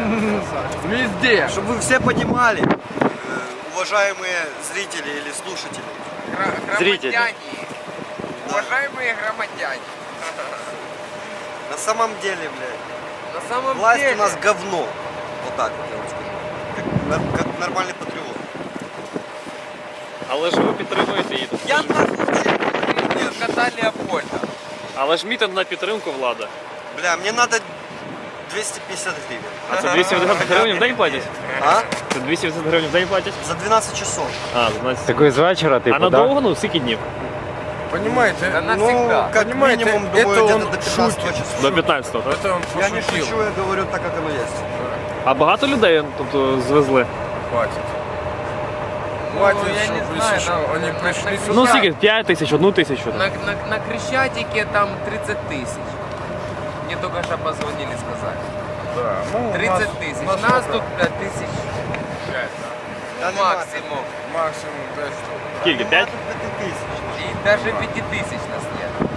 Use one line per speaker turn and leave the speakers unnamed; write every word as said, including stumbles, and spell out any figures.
Везде.
Чтобы вы все понимали, э, уважаемые зрители или слушатели.
Гра-
Зрители.
Громадяне. Уважаемые громадяне.
На самом деле, блядь,
На самом
власть
деле.
у нас говно. Вот так вот я вам скажу. Как, нар- как нормальный патриот.
Але ж ви підтримуєте її.
Я нахуй кота Леопольда.
Але ж мітинг на підтримку влади.
Бля, мне надо двести пятьдесят гривен.
А це двісті вісімдесят гривень в день платять?
А?
Це двісті вісімдесят гривень в день платять?
За двенадцать часов.
А, за дванадцять.
Такой з вечора,
А
типу, да?
надовго, ну, скільки днів?
Понимаете,
Да
Ну,
навсегда.
как
Понимаете,
минимум,
это
думаю,
он
где-то до пятнадцатого
шутит.
числа.
До п'ятнадцятого, так?
это он
Я не
пошутил.
шучу, я говорю так, как оно есть.
А багато людей, тобто, звезли?
Хватит.
Ну,
Хватит,
я не
чтобы,
знаю,
если что,
на-
они
на-
пришли
на-
сюда.
Ну, скільки? п'ять тисяч, одну тисячу.
На, на, на Крещатике там тридцать тысяч. Мне только что позвонили, сказали.
Да, ну, у
тридцать
нас-
тысяч.
у нас
Нас
сколько?
тут пять тысяч. пять,
Да
да?
нема.
Максимум.
Максимум пять штук.
Скільки? п'ять?
Нема тут пяти тысяч.
И даже пяти тысяч нас нет.